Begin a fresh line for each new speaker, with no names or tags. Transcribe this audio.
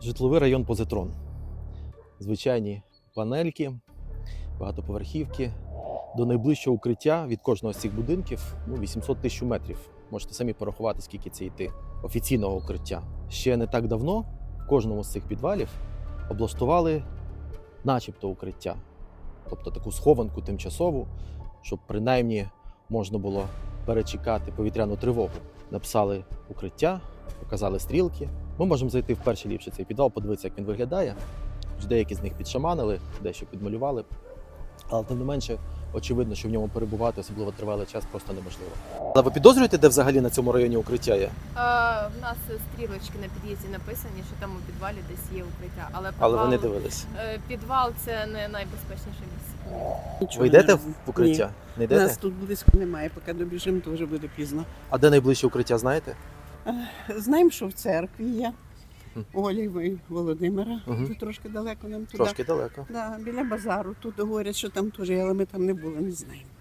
Житловий район Позитрон. Звичайні панельки, багатоповерхівки. До найближчого укриття від кожного з цих будинків 800 тисяч метрів. Можете самі порахувати, скільки це йти офіційного укриття. Ще не так давно в кожному з цих підвалів облаштували начебто укриття. Тобто таку схованку тимчасову, щоб принаймні можна було перечекати повітряну тривогу. Написали укриття, показали стрілки. Ми можемо зайти в перший ліпший цей підвал, подивитися, як він виглядає. Деякі з них підшаманили, дещо підмалювали. Але тим не менше, очевидно, що в ньому перебувати особливо тривалий час просто неможливо. Але ви підозрюєте, де взагалі на цьому районі укриття є?
В нас стрілочки на під'їзді написані, що там у підвалі десь є укриття.
Але ви не дивились.
Підвал – це не найбезпечніше місце.
Нічого
Ви йдете
не
в укриття?
Ні.
Не йдете?
Нас тут близько немає, поки добіжимо, то вже буде пізно.
А де найближче укриття, знаєте?
Знаємо, що в церкві є. Олі Володимира.
Мгм.
Тут трошки далеко нам туди.
Трошки далеко.
Да, біля базару. Тут говорять, що там теж є, але ми там не були, не знаємо.